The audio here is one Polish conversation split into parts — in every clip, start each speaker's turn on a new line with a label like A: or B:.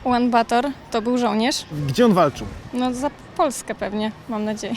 A: Ulan Bator to był żołnierz.
B: Gdzie on walczył?
A: No za Polskę pewnie, mam nadzieję.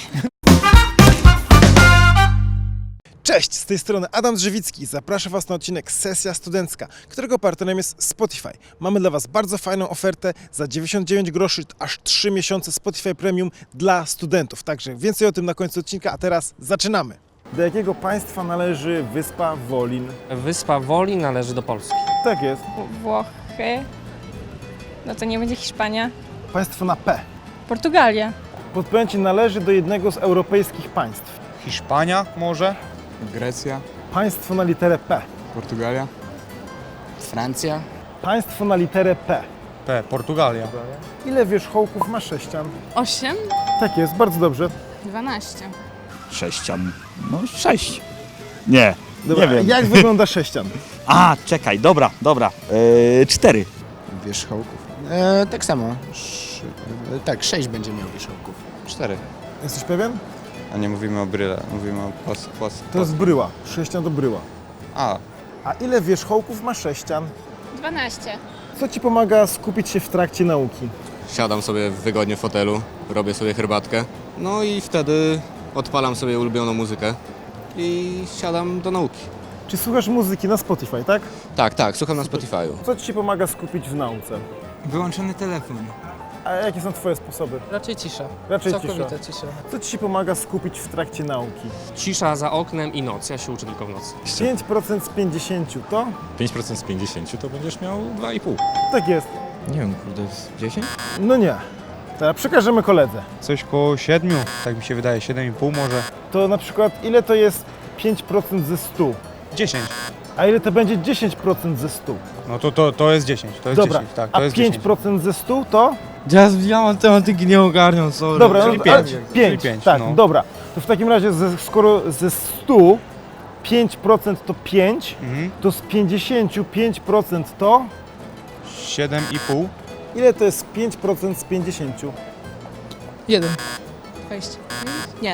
B: Cześć, z tej strony Adam Drzewicki. Zapraszam Was na odcinek Sesja Studencka, którego partnerem jest Spotify. Mamy dla Was bardzo fajną ofertę za 99 groszy, aż 3 miesiące Spotify Premium dla studentów. Także więcej o tym na końcu odcinka, a teraz zaczynamy. Do jakiego państwa należy wyspa Wolin?
C: Wyspa Woli należy do Polski.
B: Tak jest.
A: Włochy. No to nie będzie Hiszpania.
B: Państwo na P.
A: Portugalia.
B: Podpowiem Ci, należy do jednego z europejskich państw.
D: Hiszpania może?
E: Grecja,
B: Państwo na literę P.
E: Portugalia,
F: Francja,
B: Państwo na literę P.
D: Portugalia.
B: Ile wierzchołków ma sześcian?
A: 8.
B: Tak jest, bardzo dobrze.
A: 12.
G: Sześcian. No 6. Nie,
B: Dobra,
G: nie wiem.
B: jak wygląda sześcian?
G: A, czekaj, dobra. 4.
F: wierzchołków. Tak samo. Tak, 6 będzie miał wierzchołków.
E: 4.
B: Jesteś pewien?
E: A nie mówimy o bryle, mówimy o
B: To jest bryła. Sześcian to bryła.
E: A,
B: A ile wierzchołków ma sześcian?
A: 12.
B: Co Ci pomaga skupić się w trakcie nauki?
H: Siadam sobie wygodnie w fotelu, robię sobie herbatkę, no i wtedy odpalam sobie ulubioną muzykę i siadam do nauki.
B: Czy słuchasz muzyki na Spotify, tak?
H: Tak, słucham na Spotify'u.
B: Co Ci pomaga skupić w nauce?
F: Wyłączony telefon.
B: A jakie są Twoje sposoby?
C: Raczej cisza.
B: Raczej cisza.
C: Całkowita cisza.
B: Co Ci pomaga skupić w trakcie nauki?
C: Cisza za oknem i noc. Ja się uczę tylko w nocy.
B: 5% z 50 to?
I: 5% z 50 to będziesz miał 2,5.
B: Tak jest.
E: nie wiem, kurde, 10?
B: No nie. Teraz przekażemy koledze.
D: Coś koło 7, tak mi się wydaje, 7,5 może.
B: To na przykład ile to jest 5% ze 100?
D: 10.
B: A ile to będzie 10% ze 100?
D: No to jest 10, to jest
B: Dobra,
D: 10, tak,
B: a
D: to jest 10.
B: 5% ze 100 to?
D: Ja matematyki nie ogarniam, sorry.
B: Dobra,
D: czyli
B: no,
D: 5.
B: 5,
D: 5,
B: tak,
D: no.
B: dobra. To w takim razie, skoro ze 100 5% to 5,
D: Mhm.
B: to z 50 5% to?
D: 7,5.
B: Ile to jest 5% z 50?
J: 1. 20. Nie.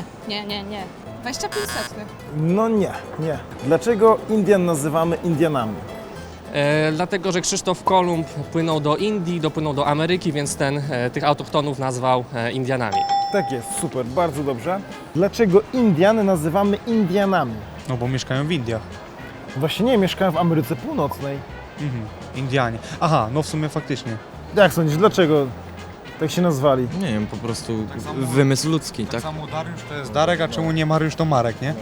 J: 25 setnych.
B: No nie. Dlaczego Indian nazywamy Indianami?
C: Dlatego, że Krzysztof Kolumb płynął do Indii, dopłynął do Ameryki, więc tych autochtonów nazwał Indianami.
B: Tak jest, super, bardzo dobrze. Dlaczego Indian nazywamy Indianami?
D: No bo mieszkają w Indiach.
B: Właśnie nie, mieszkają w Ameryce Północnej.
D: Indianie. Aha, no w sumie faktycznie.
B: Jak sądzisz, dlaczego tak się nazwali?
E: Nie wiem, po prostu wymysł ludzki, tak?
D: Samo Dariusz to jest Darek, a czemu nie Mariusz to Marek, nie?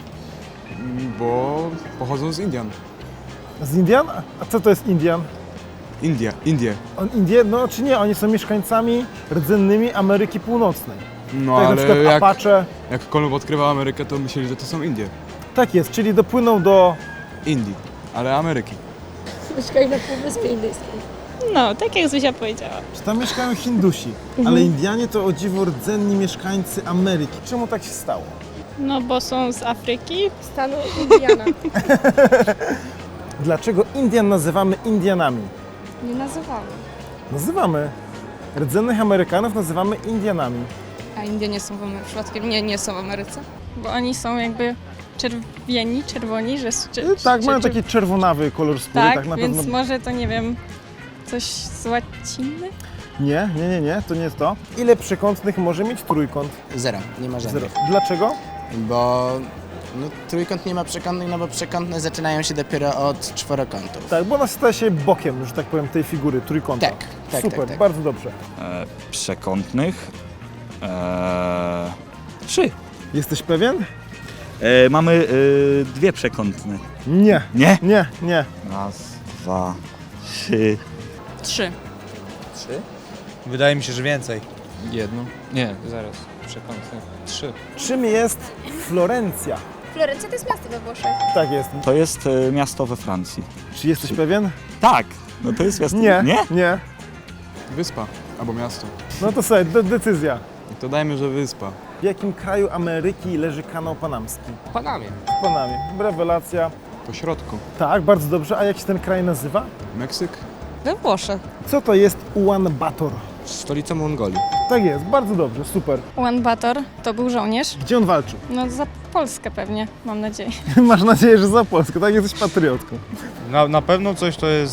E: Bo pochodzą z Indian.
B: Z Indian? A co to jest Indian?
E: Indie.
B: Indie? No czy nie, oni są mieszkańcami rdzennymi Ameryki Północnej.
E: No
B: Tak na przykład Apache.
E: jak Kolumb odkrywał Amerykę, to myśleli, że to są Indie.
B: Tak jest, czyli dopłyną do...
E: Indii, ale Ameryki.
J: Mieszkali na Półwyspie Indyjskim.
A: No, tak jak Zuzia powiedziała.
B: Czy tam mieszkają Hindusi, ale Indianie to o dziwo rdzenni mieszkańcy Ameryki. Czemu tak się stało?
A: No bo są z Afryki.
J: Stanu Indiana.
B: Dlaczego Indian nazywamy Indianami?
J: Nie nazywamy.
B: Nazywamy. Rdzennych Amerykanów nazywamy Indianami.
J: A Indie nie są w Ameryce. Przypadkiem nie są w Ameryce?
A: Bo oni są jakby czerwoni, że...
B: Tak, mają taki czerwonawy kolor skóry,
A: Tak,
B: tak na
A: więc
B: pewno.
A: może to nie wiem, coś z łaciny?
B: Nie, to nie jest to. Ile przekątnych może mieć trójkąt?
F: 0. Nie ma żadnych.
B: 0. Dlaczego?
F: Bo trójkąt nie ma przekątnych, no bo przekątne zaczynają się dopiero od czworokątów.
B: Tak, bo ona staje się bokiem, że tak powiem, tej figury trójkąta.
F: Tak,
B: Super,
F: tak.
B: bardzo dobrze.
G: Przekątnych. 3.
B: Jesteś pewien?
G: Mamy 2 przekątne.
B: Nie.
G: Nie?
B: Nie.
G: Raz, 2, 3.
J: 3.
D: Wydaje mi się, że więcej.
E: Jedno? Nie, zaraz. Przekątny. 3.
B: Czym jest Florencja?
J: Florencja to jest miasto we Włoszech.
B: Tak jest.
G: To jest miasto we Francji.
B: Czy jesteś pewien?
G: Tak, no to jest miasto.
B: Nie.
E: Wyspa albo miasto.
B: No to sobie, decyzja.
E: To dajmy, że wyspa.
B: W jakim kraju Ameryki leży kanał panamski?
C: W Panamie.
B: W Panamie. Rewelacja.
E: Po środku.
B: Tak, bardzo dobrze. A jak się ten kraj nazywa?
E: Meksyk?
J: We Włoszech.
B: Co to jest Ulan Bator?
H: Stolica Mongolii.
B: Tak jest, bardzo dobrze, super.
A: Ulan Bator to był żołnierz.
B: Gdzie on walczył?
A: No za Polskę pewnie, mam nadzieję.
B: Masz nadzieję, że za Polskę, tak? Jesteś patriotką.
D: Na pewno coś to jest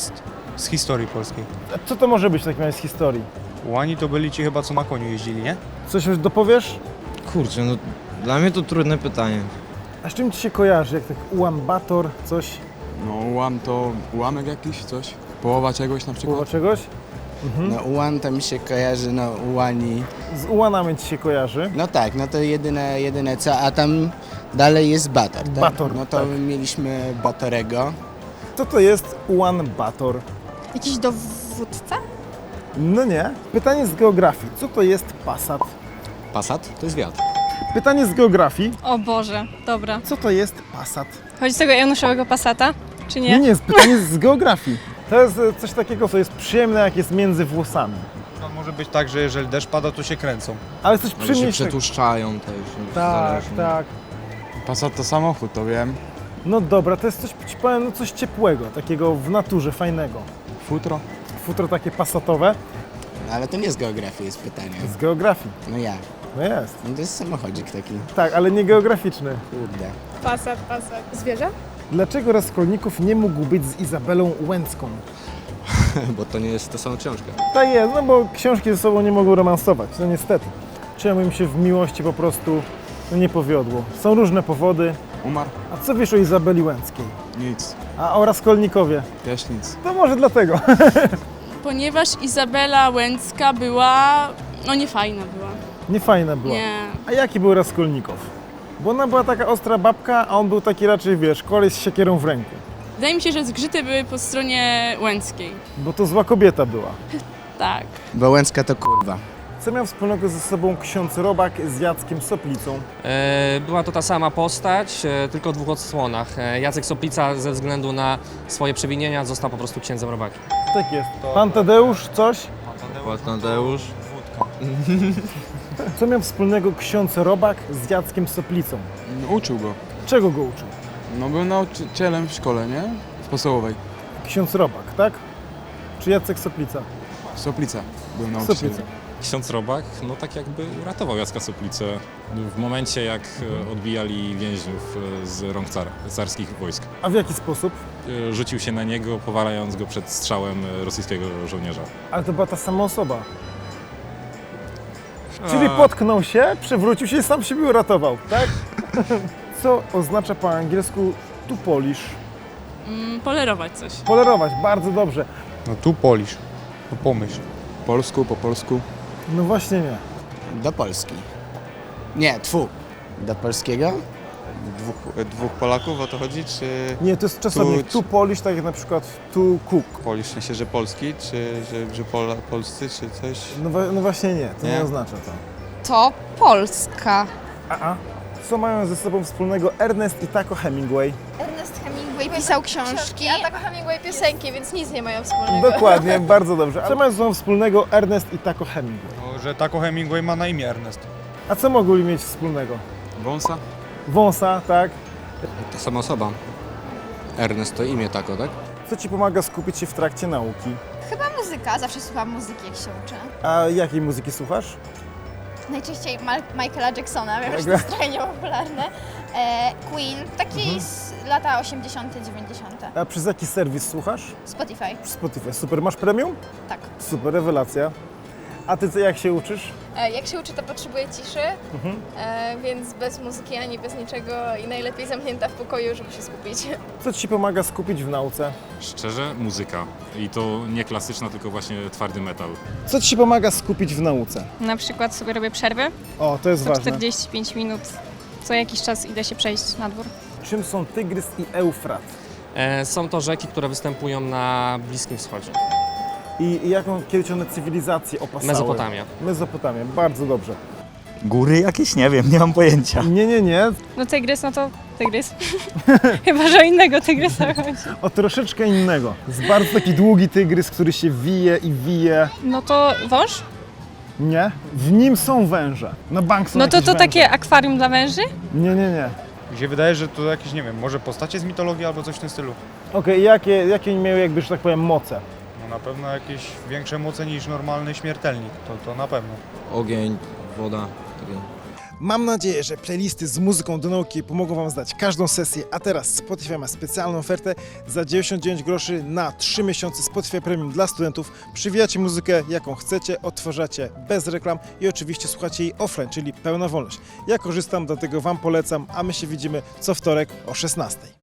D: Z historii polskiej.
B: A co to może być w takim razie z historii?
D: Ułani to byli ci chyba, co na koniu jeździli, nie?
B: Coś już dopowiesz?
E: Kurczę, no dla mnie to trudne pytanie.
B: A z czym ci się kojarzy? Jak tak Ułan Bator, coś?
K: No ułam to ułamek jakiś, coś? Połowa czegoś na przykład?
B: Połowa czegoś?
F: No ułan to mi się kojarzy, no ułani.
B: Z Ułanami ci się kojarzy.
F: No tak, no to jedyne co, a tam dalej jest Bator, tak?
B: Bator,
F: No to
B: tak.
F: mieliśmy Batorego.
B: Co to jest Ułan Bator?
J: Jakiś dowódca?
B: No nie. Pytanie z geografii. Co to jest Passat?
H: Passat to jest wiatr.
B: Pytanie z geografii.
J: O Boże, dobra.
B: Co to jest Passat?
A: Chodzi z tego Januszowego Passata, czy
B: Nie,
A: nie?
B: nie, jest pytanie z geografii. To jest coś takiego, co jest przyjemne, jak jest między włosami.
D: To może być tak, że jeżeli deszcz pada, to się kręcą.
B: Ale coś
E: Może się
B: przyjemniejszego.
E: przetłuszczają też.
B: Tak,
E: zależnie.
B: tak.
K: Passat to samochód, to wiem.
B: No dobra, to jest coś, ci powiem, no coś ciepłego, takiego w naturze, fajnego.
K: Futro?
B: Futro takie passatowe
F: No, ale to nie z geografii jest pytanie.
B: z geografii.
F: No jak?
B: No jest.
F: No to jest samochodzik taki.
B: Tak, ale nie geograficzny.
F: Kurde.
J: Pasat. Zwierzę?
B: Dlaczego Raskolnikow nie mógł być z Izabelą Łęcką?
H: Bo to nie jest ta sama książka.
B: Tak jest, no bo książki ze sobą nie mogą romansować, no niestety. Czemu im się w miłości po prostu nie powiodło? Są różne powody.
K: Umarł?
B: A co wiesz o Izabeli Łęckiej?
K: Nic.
B: A o Raskolnikowie?
K: Też nic.
B: To może dlatego.
J: Ponieważ Izabela Łęcka była... no niefajna była.
B: Niefajna była.
J: Nie.
B: A jaki był Raskolnikow? Bo ona była taka ostra babka, a on był taki raczej, wiesz, koleś z siekierą w ręku.
J: Wydaje mi się, że zgrzyty były po stronie Łęckiej.
B: Bo to zła kobieta była.
J: Tak.
F: Bo Łęcka to kurwa.
B: Co miał wspólnego ze sobą ksiądz Robak z Jackiem Soplicą?
C: Była to ta sama postać, tylko w dwóch odsłonach. Jacek Soplica ze względu na swoje przewinienia został po prostu księdzem robakiem.
B: Tak jest. Pan Tadeusz, coś?
E: Tadeusz.
B: Co miał wspólnego ksiądz Robak z Jackiem Soplicą?
K: Uczył go.
B: Czego go uczył?
K: No był nauczycielem w szkole, nie? W podstawowej.
B: Ksiądz Robak, tak? Czy Jacek Soplica?
K: Soplica był nauczycielem.
B: Soplica.
I: Ksiądz Robak, no tak jakby uratował Jacka Soplicę w momencie, jak odbijali więźniów z rąk carskich wojsk.
B: A w jaki sposób?
I: Rzucił się na niego, powalając go przed strzałem rosyjskiego żołnierza.
B: Ale to była ta sama osoba. Czyli potknął się, przewrócił się i sam siebie uratował, tak? Co oznacza po angielsku to polish?
J: Polerować coś.
B: Polerować, bardzo dobrze.
D: No tu polisz. No pomyśl.
K: Po polsku.
B: No właśnie nie.
F: Do Polski. Nie, Do polskiego?
L: Dwóch Polaków o to chodzi, czy
B: Nie, to jest czasownik to polish, tak jak na przykład to cook.
L: Polish, w sensie, że polski, czy że polscy, czy coś?
B: No właśnie nie, to nie
L: Nie?
B: oznacza to.
J: To Polska.
B: A. Co mają ze sobą wspólnego Ernest i Taco Hemingway?
J: Ernest Hemingway pisał książki.
M: A tak Hemingway piosenki, więc nic nie mają wspólnego.
B: Dokładnie, bardzo dobrze. A co mają ze sobą wspólnego Ernest i Taco Hemingway?
D: No, że Taco Hemingway ma na imię Ernest.
B: A co mogli mieć wspólnego?
K: Wąsa?
B: Wąsa, tak?
H: Ta sama osoba. Ernest to imię tako, tak?
B: Co ci pomaga skupić się w trakcie nauki?
M: Chyba muzyka, zawsze słucham muzyki, jak się uczę.
B: A jakiej muzyki słuchasz?
M: Najczęściej Michaela Jacksona, wiem, że to
B: Mega.
M: jest trochę niepopularne. Queen, taki z lata 80., 90.
B: A przez jaki serwis słuchasz?
M: Spotify,
B: Spotify. Super. Masz premium?
M: tak.
B: Super, rewelacja. A ty co, jak się uczysz?
M: Jak się uczy, to potrzebuję ciszy, więc bez muzyki ani bez niczego i najlepiej zamknięta w pokoju, żeby się skupić.
B: Co ci pomaga skupić w nauce?
I: Szczerze, muzyka. I to nie klasyczna, tylko właśnie twardy metal.
B: Co ci pomaga skupić w nauce?
A: Na przykład sobie robię przerwy,
B: O, to jest
A: co
B: ważne.
A: 45 minut. Co jakiś czas idę się przejść na dwór.
B: Czym są Tygrys i Eufrat?
C: Są to rzeki, które występują na Bliskim Wschodzie.
B: I jaką kiedyś one cywilizację opasały?
C: Mezopotamia.
B: Mezopotamia, bardzo dobrze.
G: Góry jakieś? Nie wiem, nie mam pojęcia.
B: Nie.
A: No tygrys, no to tygrys. Chyba, że o innego tygrysa chodzi.
B: O troszeczkę innego. Jest bardzo taki długi tygrys, który się wije i wije.
A: No to wąż?
B: Nie? W nim są węże. Na bank są
A: No to
B: jakieś węże.
A: takie akwarium dla węży?
B: Nie.
D: Mi się wydaje, że to jakieś, nie wiem, może postacie z mitologii albo coś w tym stylu.
B: Okej, jakie miały jakby, że tak powiem, moce?
D: No na pewno jakieś większe moce niż normalny śmiertelnik, to na pewno.
E: Ogień, woda. Takie.
B: Mam nadzieję, że playlisty z muzyką do nauki pomogą Wam zdać każdą sesję, a teraz Spotify ma specjalną ofertę za 99 groszy na 3 miesiące Spotify Premium dla studentów. Przywijacie muzykę jaką chcecie, odtwarzacie bez reklam i oczywiście słuchacie jej offline, czyli pełna wolność. Ja korzystam, dlatego Wam polecam, a my się widzimy co wtorek o 16:00.